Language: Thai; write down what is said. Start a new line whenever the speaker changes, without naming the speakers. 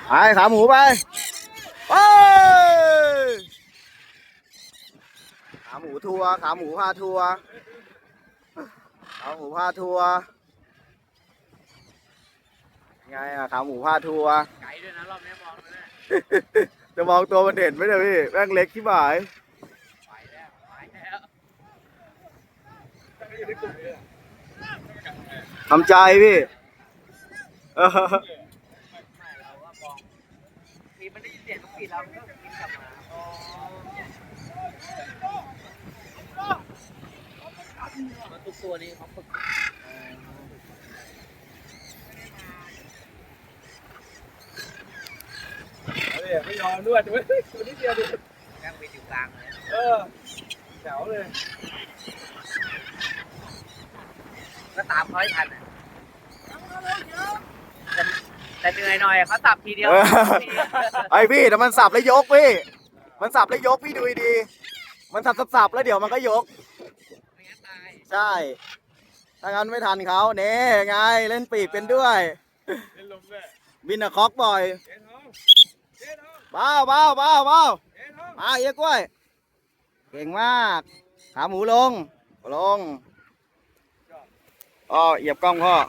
ไปขาหมูไปไปขาหมูทัวร์ขาหมูพาทัวร์ขาหมูพาทัวร์ไงอะขาหมูพาทัวร์ไกลด้วยนะรอบนี้มองเลยจะมองตัวมันเด่นไหมเนี่ยพี่แม่งเล็กที่หมายไปแล้วทำใจพี่เราก็มองทีมันได้ยินเสียงนกปีเราก็กินกลับมาทุกตัวนี้เขาฝึกไม่ยอมด้วยตัวนี้เดียวดิแม่งไปอยู่กลางเลยแถวเลยก็ตามเขาให้ทันแต่เหนื่อยหน่อยเขาสับทีเดียวไอพี่แต่มันสับแล้วยกพี่มันสับแล้วยกพี่ดูดีมันสับแล้วเดี๋ยวมันก็ยกใช่ถ้างั้นไม่ทันเขาเน่ไงเล่นปีกเป็นด้วยเล่นลมด้วยบินอะคอกบ่อยเบามาเอี้ยกล้วยเก่งมากขาหมูลงอ๋อเหยียบกล้องพ่อ